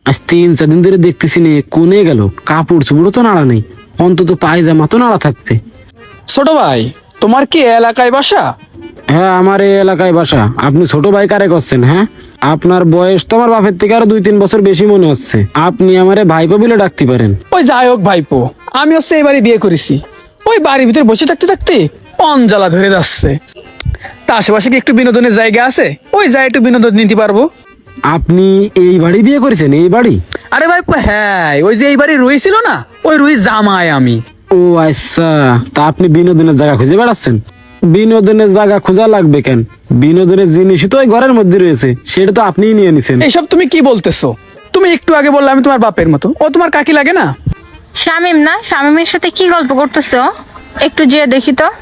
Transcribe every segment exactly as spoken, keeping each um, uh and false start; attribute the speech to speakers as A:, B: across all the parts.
A: আজ তিন চার দিন ধরে দেখতেছি নে কোনে গেল, কাপড় চোপড়ও তো নাড়া নেই, অন্তত পায়জামা তো নাড়া থাকবে।
B: ছোট ভাই, তোমার কি এলাকায় বাসা?
A: হ্যাঁ, আমার এই এলাকায় বাসা। আপনি ছোট ভাই কারে করছেন? হ্যাঁ, আপনার বয়স তো আমার বাপের থেকে আরো দুই তিন বছর বেশি মনে হচ্ছে। আপনি আমারে ভাইপো বলে ডাকতে পারেন।
B: ওই যাই হোক ভাইপো, আমি হচ্ছে এবারে বিয়ে করেছি। ওই বাড়ির ভিতরে বসে থাকতে থাকতে অঞ্জালা ধরে যাচ্ছে। তা আশেপাশে কি একটু বিনোদনের জায়গা আছে? ওই যাই একটু বিনোদন নিতে পারবো।
A: আপনি এই বাড়ি বিয়ে করেছেন? এই বাড়ি?
B: আরে ভাইপো হ্যাঁ, ওই যে এই বাড়ি রুই ছিল না, ওই রুই জামাই আমি।
A: ও আচ্ছা, তা আপনি বিনোদনের জায়গা খুঁজে বেড়াচ্ছেন? বিনোদনের জায়গা খোঁজা লাগবে কেন? বিনোদনের জিনিসই তো ওই ঘরের মধ্যে রয়েছে, সেটা তো আপনিই নিয়ে নিছেন।
B: এইসব তুমি কি বলতেছো? তুমি একটু আগে বললে আমি তোমার বাপের মতো, ও তোমার কাকি লাগে না?
C: শামিম না? শামিমের সাথে কি গল্প করতেছো? একটু যেয়ে দেখি তো।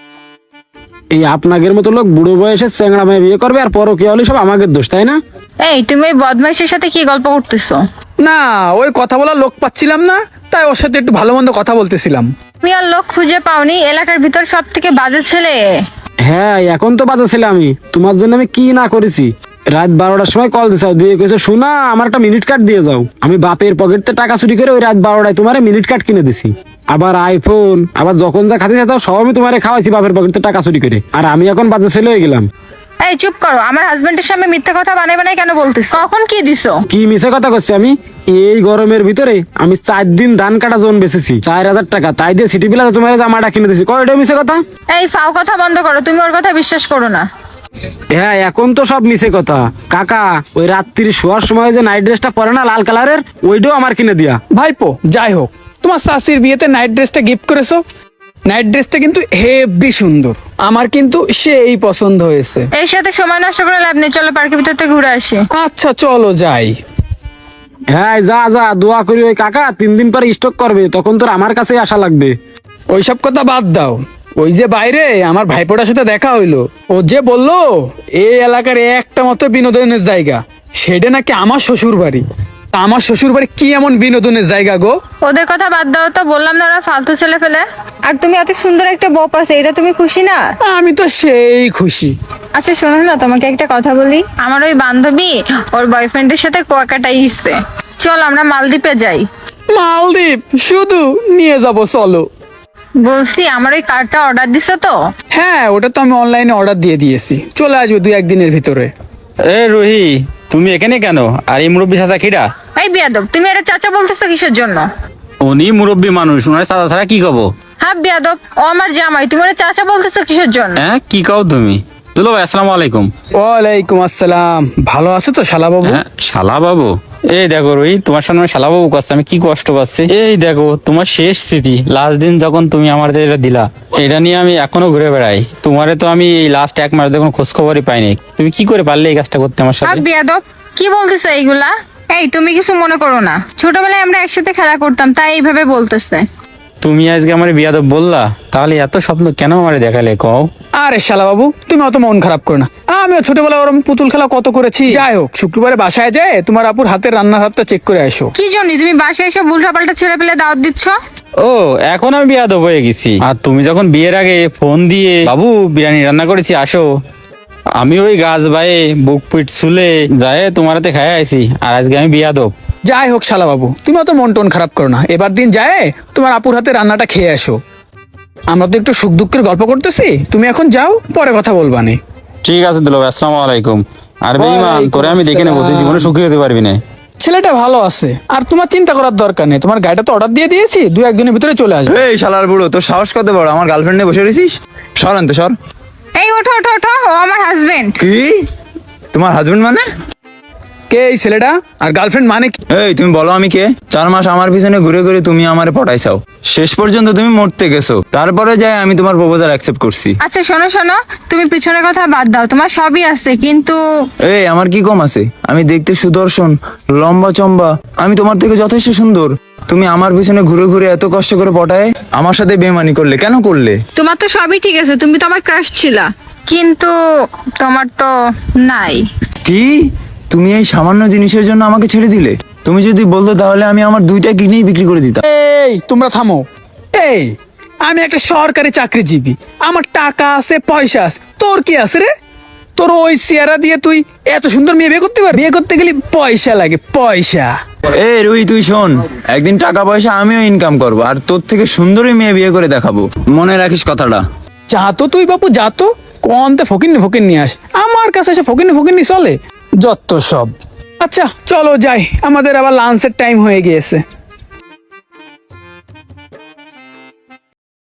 A: এই আপনাদের মতো লোক বুড়ো বয়সে চ্যাংড়া মেয়ে বিয়ে করবে আর পরকীয়া হলে সব আমাদের দোষ, তাই না?
C: এই তুমি ওই বদমাইশের সাথে কি গল্প করতেছো?
B: না, ওই কথা বলার লোক পাচ্ছিলাম না, তাই ওর সাথে একটু ভালো মন্দ কথা বলতেছিলাম।
C: তুমি আর লোক খুঁজে পাওনি? এলাকার ভিতর সব থেকে বাজে ছেলে।
A: হ্যাঁ, এখন তো বাজা ছিল। আমি তোমার জন্য আমি কি না করেছি। রাত বারোটার সময় কল দিছাও, দিয়ে কইছো শোনা আমার একটা মিনিট কার্ড দিয়ে যাও। আমি বাপের পকেটতে টাকা চুরি করে ওই রাত বারোটায় তোমার মিনিট কার্ড কিনে দিছি, আবার আইফোন, আবার যখন যা খাতে যেত সব আমি তোমারে খাওয়াইছি বাপের পকেটতে টাকা চুরি করে। আর আমি এখন বাজা ছেলে হয়ে গেলাম।
C: এই চুপ করো, আমার হাজবেন্ডের সামনে মিথ্যা কথা বানাই বানাই কেন বলতেছো? কখন কি দিছো?
A: কি মিছে কথা করছি আমি? এই গরমের ভিতরে আমি চার দিন ধান কাটা জোন বেচেছি চার হাজার টাকা, তাই দিয়ে সিটি বিলাতে তোমার জামাটা কিনে দিছি। কয়টা মিছে কথা?
C: এই ফাও কথা বন্ধ করো, তুমি ওর কথা বিশ্বাস করো না।
A: হ্যাঁ, এখন তো সব মিছে কথা। কাকা ওই রাত্রি শোয়ার সময় যে নাইট ড্রেসটা পরে না লাল কালারের, ওইটাও আমার কিনে দিয়া।
B: ভাইপো যাই হোক, তোমার শাশির বিয়েতে নাইট ড্রেসটা গিফট করেছো। নাইট ড্রেসটা কিন্তু হেভি সুন্দর, আমার কিন্তু সেই পছন্দ হয়েছে।
C: এর সাথে সময় নষ্ট করে লাভ নেই, চলো পার্কের ভিতর থেকে ঘুরে আসি।
B: আচ্ছা চলো যাই।
A: হ্যাঁ যা যা, দোয়া করি ওই কাকা তিন দিন পরে স্টক করবে, তখন তোর আমার কাছে আসা লাগবে।
B: ওইসব কথা বাদ দাও। ওই যে বাইরে আমার ভাইপোটার সাথে দেখা হইলো, ও যে বললো এই এলাকার একটা মতো বিনোদনের জায়গা, সেটা নাকি আমার শ্বশুর বাড়ি। তা আমার শ্বশুর বাড়ি কি এমন বিনোদনের জায়গা গো?
C: ওদের কথা বাদ দাও তো, বললাম না ওরা ফালতু ছেলে ফেলে। আর তুমি এত সুন্দর একটা বউ পাচ্ছ, এটা তুমি খুশি না?
B: আমি তো সেই খুশি।
C: আচ্ছা শোনো না, তোমাকে একটা কথা বলি। আমার ওই বান্ধবী ওর বয়ফ্রেন্ডের সাথে কুয়াকাটায় গেছে, চল আমরা মালদ্বীপে যাই।
B: মালদ্বীপ? শুধু নিয়ে যাব চলো।
C: বলছি আমার ওই কার্ডটা অর্ডার দিছো তো?
B: হ্যাঁ, ওটা তো আমি অনলাইনে অর্ডার দিয়ে দিয়েছি, চলে আসবে দুই একদিনের ভিতরে।
D: এ রুহি, তুমি এখানে কেন? আর এই মুরব্বী চাচা কিরা?
C: এই বিয়াদব, তুমি এটা চাচা বলতেছো কিসের জন্য?
D: উনি মুরব্বী মানুষ, ওনার চাচা ছাড়া কি কব?
C: হ্যাঁ বিয়াদব, ও আমার জামাই, তুমি ওরা চাচা বলতেছো কিসের জন্য?
D: হ্যাঁ কি কও তুমি? দুলো ভাই আসসালামু আলাইকুম।
B: ওয়ালাইকুম আসসালাম। ভালো আছো তো শালা বাবু?
D: হ্যাঁ শালা বাবু। এই দেখো রুহি, তোমার সামনে শালা বাবু করছে, আমি কি কষ্ট পাচ্ছি। এই দেখো তোমার শেষ স্মৃতি, লাস্ট দিন যখন তুমি আমাদের এটা দিলা, এটা নিয়ে আমি এখনো ঘুরে বেড়াই। তোমারে তো আমি এই লাস্ট এক মাস দেখুন খোঁজ খবরই পাইনি। তুমি কি করে পারলে এই কাজটা করতে আমার
C: হ্যাঁ
D: সাথে?
C: বিয়াদব, কি বলতেছো এইগুলা? এই তুমি কিছু মনে করো না, ছোটবেলায় আমরা একসাথে খেলা করতাম, তাই এইভাবে বলতেছে।
D: তুমি আজকে আমার বিয়াদব বললা, তাহলে এত স্বপ্ন কেন আমারে দেখালে কও?
B: আরে শালা বাবু, তুমি অত মন খারাপ করো না। আমিও ছোটবেলায় ওরম পুতুল খেলা কত করেছি। যাই হোক, শুক্রবারে বাসায় যায় তোমার আপুর হাতের রান্নার হাতটা চেক করে আসো।
C: কি জন্য তুমি বাসায় এসে উল্টাপাল্টা ছেলে পেলে দাওয়াত দিচ্ছ?
D: ও এখন আমি বিয়াদব হয়ে গেছি? আর তুমি যখন বিয়ের আগে ফোন দিয়ে বাবু বিরিয়ানি রান্না করেছি আসো, আমি ওই গাছ বায়ে বুক পিট ছুলে যায় তোমার হাতে খাই আইছি, আর আজকে আমি বিয়াদব?
B: যাই হোক শালা বাবু, তুমি অত মন টন খারাপ করো না। এবার দিন যায় তোমার আপুর হাতে রান্নাটা খেয়ে আসো। আমরা তো একটু সুখ দুঃখের গল্প করতেছি, তুমি এখন যাও, পরে কথা বলবানে।
D: ঠিক আছে দুলো ভাই, আসসালামু আলাইকুম। আর বেঈমান, তোরে আমি দেখে নেবো, তুই জীবনে সুখী হতে পারবি না।
B: ছেলেটা ভালো আছে, আর তোমার চিন্তা করার দরকার নেই। তোমার গাড়িটা তো অর্ডার দিয়ে দিয়েছি, দু একদিনের ভিতরে চলে আসবে।
E: এই শালার বুড়ো, তোর সাহস কত বড়? আমার গার্লফ্রেন্ড নিয়ে বসে রয়েছিস? সর আনতে সর।
C: এই ওঠো ওঠো ওঠো, ও আমার হাজবেন্ড।
E: কি? তোমার হাজবেন্ড মানে?
B: কে এই ছেলেটা? আর গার্লফ্রেন্ড মানে কি?
E: এই তুমি বলো আমি কে? চার মাস আমার পিছনে ঘুরে ঘুরে তুমি আমারে পটাইছাও, শেষ পর্যন্ত তুমি মরতে গেছো, তারপরে যাই আমি তোমার প্রপোজাল অ্যাকসেপ্ট করছি।
C: আচ্ছা শোনো শোনো, তুমি পিছনের কথা বাদ দাও, তোমার সবই আছে কিন্তু।
E: এই আমার কি কম আছে? আমি দেখতে সুদর্শন, লম্বা চম্বা, আমি তোমার থেকে যথেষ্ট সুন্দর। তুমি আমার পিছনে ঘুরে ঘুরে এত কষ্ট করে পটায় আমার সাথে বেমানি করলে, কেন করলে?
C: তোমার তো সবই ঠিক আছে, তুমি তো আমার ক্রাশ ছিলা, কিন্তু তোমার তো নাই।
E: কি? তুমি এই সামান্য জিনিসের জন্য আমাকে ছেড়ে দিলে? তুমি যদি বলতো তাহলে আমি আমার দুইটা কিডনি বিক্রি করে দিতাম।
B: এই তোমরা থামো। এই আমি একটা সরকারি চাকরিজীবী, আমার টাকা আছে, পয়সা আছে। তোর কি আছে রে? তোর ওই চেহারা দিয়ে তুই এত সুন্দর মেয়ে বিয়ে করতে পারবি? বিয়ে করতে গেলে পয়সা লাগে, পয়সা।
E: এ রুই তুই শোন, একদিন টাকা পয়সা আমিও ইনকাম করবো আর তোর থেকে সুন্দরী মেয়ে বিয়ে করে দেখাবো, মনে রাখিস কথাটা।
B: যা তো তুই বাপু যা তো, কোনতে ফকিন্নি ফকির নিয়ে আস, আমার কাছে এসে ফকিন্নি ফকিন্নি চলে যত সব। আচ্ছা চলো যাই, আমাদের আবার লাঞ্চের টাইম হয়ে গিয়েছে।